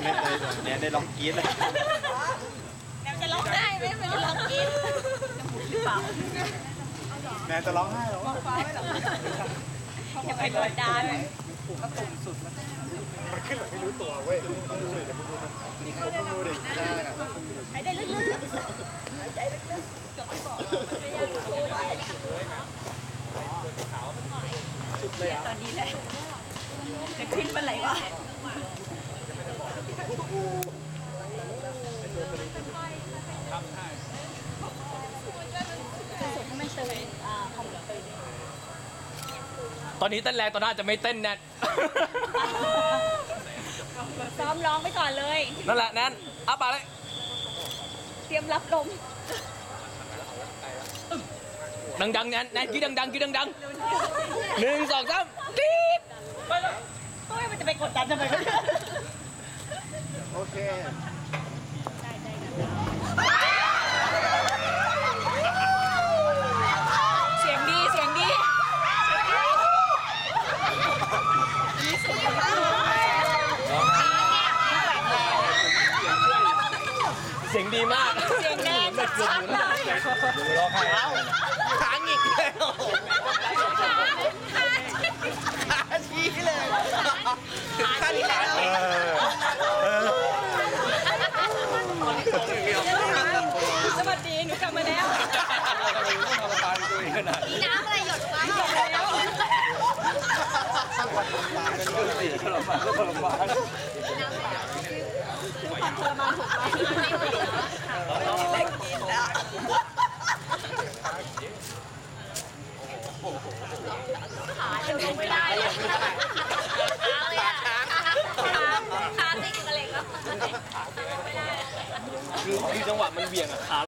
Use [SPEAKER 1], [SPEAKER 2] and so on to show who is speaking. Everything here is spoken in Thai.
[SPEAKER 1] แนนได้ลองกรี๊ดเลย
[SPEAKER 2] แนวจะร้องไห้ไหมมันจะร้องกินหรือเปล่า
[SPEAKER 1] แนนจะร้องไห้หรอ
[SPEAKER 2] อย่าไปกดดัน
[SPEAKER 1] มันขึ้นแบบไม่รู้ตัวเว้ยต้องดูเลยเดี๋ยวมึงดูมันนี่เขาต้องดูดิ
[SPEAKER 2] หายใจลึกๆหายใจลึกๆจบไม่บอกตอนนี้แหละจะขึ้นเมื่อไหร่วะ
[SPEAKER 3] ตอนนี้เต้นแรงตอนหน้าจะไม่เต้นแน่
[SPEAKER 2] ซ้อมร้องไปก่อนเลย
[SPEAKER 3] นั่นแหละแน่นอ้าปากเลย
[SPEAKER 2] เตรียมรับลม
[SPEAKER 3] ดังๆแน่นแน่นกี้ดังๆกี้ดังๆ1 2 3ตีด
[SPEAKER 2] เฮ้ยมันจะไปกดดันทำไมวะ
[SPEAKER 1] โอเค
[SPEAKER 2] เสียงดีเสียงดี
[SPEAKER 3] เสียงดีมาก
[SPEAKER 2] เสียงแดงชัดเลย
[SPEAKER 1] ร้องไห้แล้ว
[SPEAKER 3] ค้างอีกแล้ว
[SPEAKER 1] ขาชี้เลยขาชี้เลย
[SPEAKER 2] สวัสดีหนูกลับมาแล้ว น้ำอะไรหยดฟ้าหยดแล้ว ทรมานถูกไหมเล็กกินแล้วขาจะลงไม่ได้เลยขาติดกระเหล็กแล้วไม่ได้
[SPEAKER 3] คือจังหวะมันเบี่ยงอะขา